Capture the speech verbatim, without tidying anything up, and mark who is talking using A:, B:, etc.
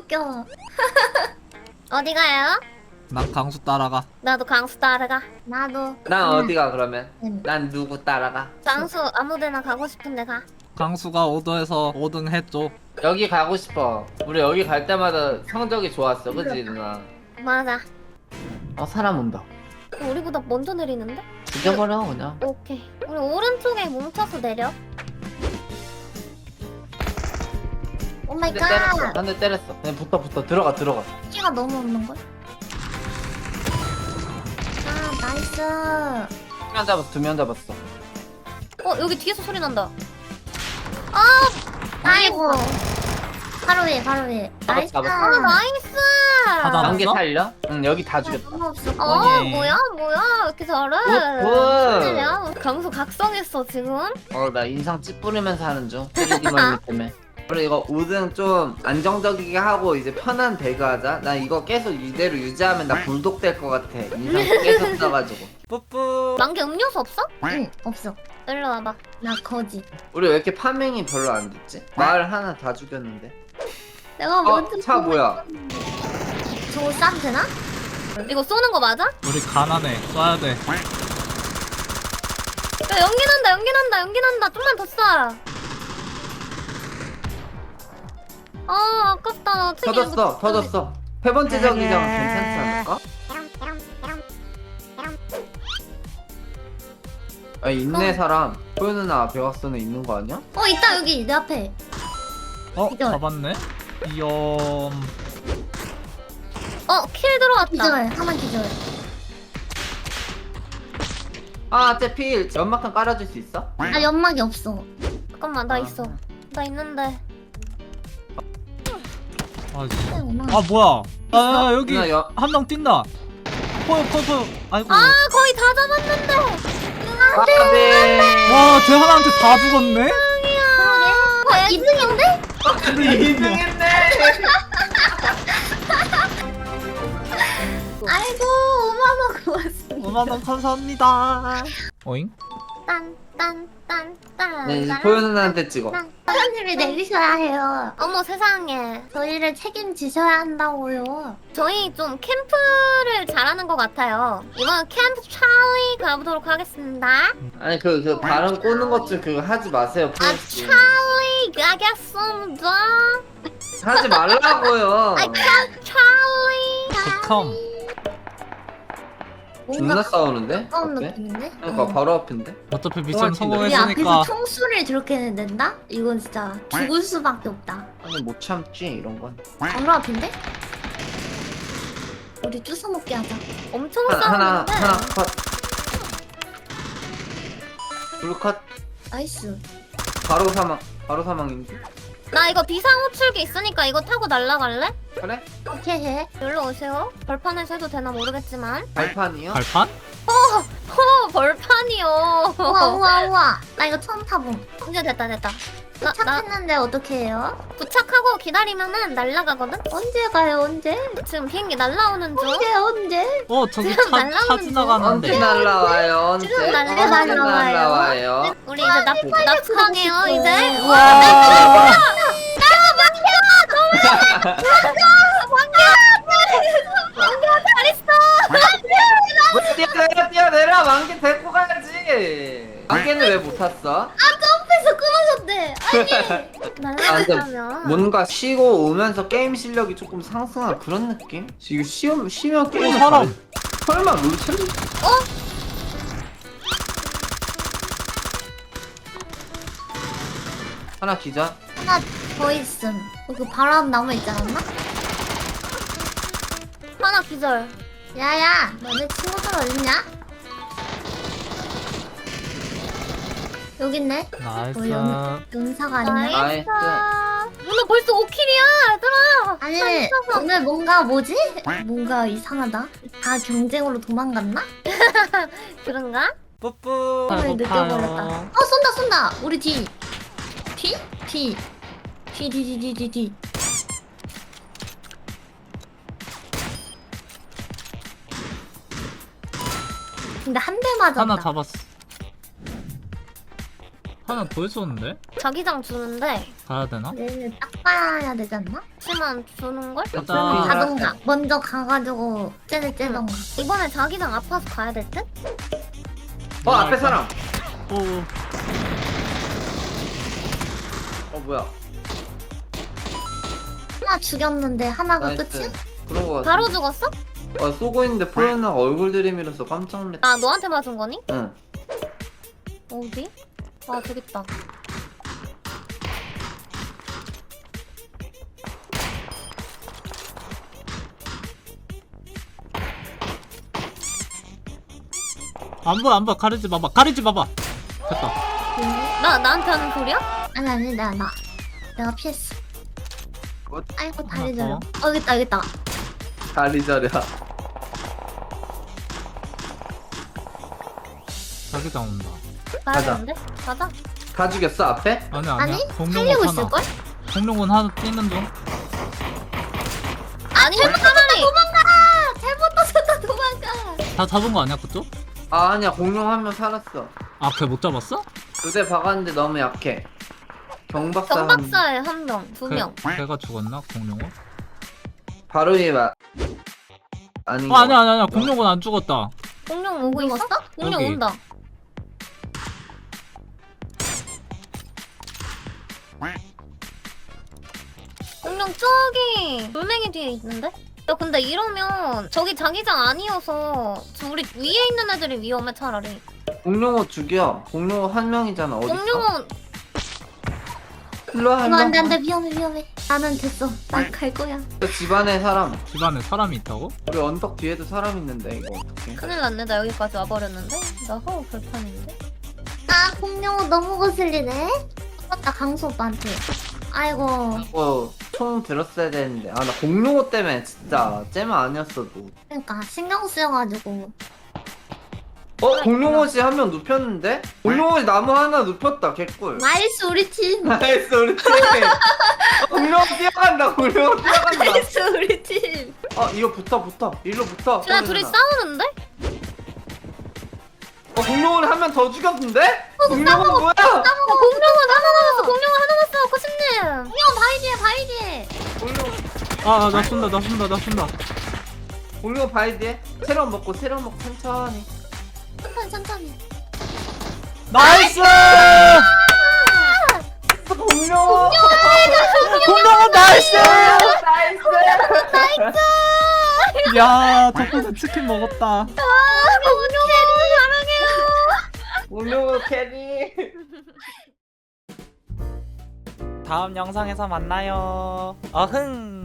A: 웃겨. 어디 가요?
B: 난 강수 따라가.
A: 나도 강수 따라가. 나도.
C: 난
A: 응.
C: 어디가 그러면?
A: 응.
C: 난 누구 따라가?
A: 강수 아무데나 가고 싶은데 가.
B: 강수가 오더해서 오 등 해줘.
C: 여기 가고 싶어. 우리 여기 갈 때마다 성적이 좋았어, 그치 누나?
A: 맞아.
C: 어 사람 온다.
A: 우리보다 먼저 내리는데?
C: 죽여버려 그냥.
A: 오케이. 우리 오른쪽에 뭉쳐서 내려. 오 마이
C: 한 대 때렸어.
A: 갓.
C: 한 대 때렸어. 그냥 붙어 붙어 들어가 들어가.
A: 키가 너무 없는 걸. 아 나이스.
C: 두 명 잡았어. 두 명 잡았어.
A: 어 여기 뒤에서 소리 난다. 아 아이고. 바로 위에 바로 위에. 나이스.
C: 잡았어.
A: 아 나이스.
B: 다 잡았어?
C: 단계 살려? 응 여기 다 죽였다.
A: 너무 없어. 어
B: 어예.
A: 뭐야 뭐야 왜 이렇게 잘해?
C: 굿.
A: 진짜야? 강수 각성했어 지금?
C: 어 나 인상 찌푸리면서 하는 중. 쓰리디 멀미 때문에. 우리 이거 오 등 좀 안정적이게 하고 이제 편한 배그 하자. 나 이거 계속 이대로 유지하면 나 불독 될 것 같아. 인상 계속 써가지고. 뿌뿌.
A: 만개 음료수 없어? 응 없어. 일로 와봐. 나 거지.
C: 우리 왜 이렇게 파밍이 별로 안 됐지? 마을 하나 다 죽였는데.
A: 내가
C: 어? 차 뭐야?
A: 저거 싸도 되나? 이거 쏘는 거 맞아? 야
B: 우리 가난해. 쏴야 돼.
A: 연기 난다 연기 난다 연기 난다. 좀만 더 쏴. 아 아깝다. 나 책임
C: 터졌어
A: 못-
C: 터졌어. 세 번째 저기장 괜찮지 않을까? 아 있네 사람. 소유 누나 앞에 왔어는 있는 거 아니야?
A: 어 있다 여기 내 앞에.
B: 어?
A: 기절.
B: 잡았네? 이엄.
A: 어킬 들어왔다. 기절 하나 기절.
C: 아 쟤필 연막탄 깔아줄 수 있어?
A: 나 연막이 없어. 잠깐만 나
C: 아.
A: 있어. 나 있는데.
B: 아,
A: 아
B: 아 뭐야? 아 여기
C: 누나 여...
B: 한 명 뛴다. 포요 포요 포요. 아이고.
A: 거의 다 잡았는데.
C: 안돼.
B: 와쟤 하나한테 다 죽었네?
A: 어, 이 등인데?
C: 근데 이 등 했네.
A: 아이고 오만 원 고맙습니다.
B: 오만 원 감사합니다. 어잉?
A: 딴딴딴딴.
C: 네 이제 소유 누나한테 찍어.
A: 사장님이 내리셔야 해요. 어머 세상에. 저희를 책임지셔야 한다고요. 저희 좀 캠프를 잘하는 것 같아요. 이번 캠프 찰리 가보도록 하겠습니다.
C: 아니 그 그 발음 꼬는 것 좀 그거 하지 마세요.
A: 아
C: 프레스.
A: 찰리 가겠습니다.
C: 하지 말라고요.
A: 아 찰리.
B: 극혐.
C: 존나 싸우는데?
A: 가까운
C: 어때?
A: 느낌인데?
C: 그러니까 바로 앞인데?
B: 어차피 미션
C: 우리
A: 우리 앞에서
B: 성공했으니까.
A: 총수를 저렇게 낸다? 이건 진짜 죽을 수밖에 없다.
C: 아니 못 참지 이런 건.
A: 바로 앞인데? 우리 주워 먹게 하자. 엄청
C: 하나 하나
A: 싸우는데.
C: 하나 컷. 둘 컷.
A: 나이스.
C: 바로 사망. 바로 사망인데?
A: 나 이거 비상호출기 있으니까 이거 타고 날라갈래?
C: 그래?
A: 오케이 해. 여기로 오세요. 벌판에서 해도 되나 모르겠지만.
C: 발판이요?
B: 발판?
A: 허 벌판이요. 우와 우와 우와. 나 이거 처음 타봄. 이제 됐다 됐다. 나, 도착했는데 어떻게 해요? 도착하고 기다리면은 날라가거든? 언제 가요 언제? 지금 비행기 날라오는 중. 언제 언제?
B: 어 저기
A: 지금
B: 차, 차
A: 날라오는
C: 언제
B: 지나가는데.
C: 날라와요? 언제?
A: 지금 날려-
C: 언제
A: 날라와요.
C: 날라와요?
A: 우리 이제 납 납치당해요 이제.
B: 와.
C: 왜 뛰어내려 뛰어내려 만개 데리고 가야지. 만개는 왜 못 탔어?
A: 점프해서 끊어졌대. 아니.
C: 아, 근데
A: 날라가면.
C: 뭔가 쉬고 오면서 게임 실력이 조금 상승한 그런 느낌? 지금 쉬면 쉬면 게임
B: 어, 사람.
C: 설마 롤챔? 하나 기자.
A: 하나 더 있음. 그 바람 나무 있지 않았나? 하나 기절. 야야, 너네 친구들 어딨냐? 여기 있네.
B: 나이스.
A: 어, 연, 연사가 아니네.
C: 나이스.
A: 누나 벌써 오 킬이야, 얘들아. 아니, 오늘 뭔가 뭐지? 뭔가 이상하다. 다 경쟁으로 도망갔나? 그런가?
C: 뿌뿌.
A: 오늘 느껴버렸다. 어, 쏜다, 쏜다. 우리 뒤. 뒤? 뒤. 뒤, 뒤, 뒤, 뒤, 뒤, 뒤. 근데 한 대 맞았다.
B: 하나 잡았어. 하나 더 있었는데?
A: 자기장 주는데
B: 가야 되나?
A: 얘는 딱 가야 되지 않나? 치만 주는 걸?
B: 가자.
A: 가던가. 먼저 가가지고 쟤네 째던가. 이번에 자기장 아파서 가야 될 듯?
C: 어 앞에 사람.
B: 오.
C: 어 뭐야?
A: 하나 죽였는데 하나가
C: 나이스.
A: 끝이야?
C: 그런 거 같아.
A: 바로 죽었어?
C: 어 쏘고 있는데 프로누나가 얼굴 들이밀어서 깜짝 놀랐다.
A: 아 너한테 맞은 거니?
C: 응.
A: 어디? 아 저기 있다.
B: 안 보여 안 보여 가리지 마봐 가리지 마봐. 됐다.
A: 나 나한테 하는 소리야? 아니 아니 나 나. 내가 피했어.
C: 뭐?
A: 아이고 다리
B: 하나
A: 저려.
B: 더.
A: 어 여기 있다 여기 있다.
C: 다리 저려.
B: 자기장 온다.
A: 가야
C: 가자.
A: 되는데? 가자.
C: 다 죽였어 앞에?
B: 아니 아니야.
A: 아니
B: 공룡은
A: 살리고
B: 하나.
A: 있을 걸?
B: 공룡은 하나 뛰는 중.
A: 아니 잘못 가만히 도망가. 잘못 떠졌다 도망가.
B: 다 잡은 거 아니야 그쪽?
C: 아 아니야 공룡 한 명 살았어.
B: 아 걔 못 잡았어?
C: 두 대 박았는데 너무 약해. 경박사 한
A: 경박사에 한 명, 두 명.
B: 걔, 걔가 죽었나 공룡은?
C: 바로 위에 마... 아닌
B: 어
C: 거
B: 아니야 아니야 아니야 공룡은 안 죽었다.
A: 공룡 오고 있어? 공룡
B: 여기.
A: 온다. 공룡 저기 돌멩이 뒤에 있는데? 야 근데 이러면 저기 자기장 아니어서 저 우리 위에 있는 애들이 위험해 차라리.
C: 공룡호 죽여. 공룡호 한 명이잖아. 어디 있어?
A: 공룡은
C: 일로 와.
A: 이거
C: 일로 와.
A: 안돼 안돼 위험해 위험해. 나는 됐어. 난 갈 거야.
C: 저 집안에 사람.
B: 집안에 사람이 있다고?
C: 우리 언덕 뒤에도 사람 있는데 이거 어떡해?
A: 큰일 났네. 나 여기까지 와버렸는데. 나 허우 불판인데. 아 공룡 너무 거슬리네. 맞다 강수 오빠한테. 아이고.
C: 이거 총 들었어야 되는데 아 나 공룡호 때문에 진짜 잼 아니었어도.
A: 그러니까 신경 쓰여가지고.
C: 어 공룡호씨 한 명 눕혔는데? 공룡호씨 나무 하나 눕혔다 개꿀.
A: 나이스 우리 팀.
C: 나이스 우리 팀. 어, 공룡호 뛰어간다. 공룡호 뛰어간다.
A: 나이스 우리 팀.
C: 어 이거 붙어 붙어. 일로 붙어.
A: 쟤네 둘이 싸우는데?
C: 어 공룡을 한 명 더 죽였는데? 공룡은 뭐야?
A: 어, 공룡은 하나 남았어. 공룡은 하나 남았어. 코심님. 공룡 바위 뒤에 바위 뒤에.
C: 공룡
B: 아 나 쏜다 나 쏜다 나 쏜다.
C: 공룡 바위 뒤에 세럼 먹고 세럼 먹고 천천히.
A: 천천히 천천히.
B: 나이스!
C: 공룡.
B: 공룡은 나이스!
C: 나이스.
B: 야 덕분에 치킨 먹었다.
A: 아 공룡 사랑해요.
C: 공룡 캐리.
B: 다음 영상에서 만나요. 어흥.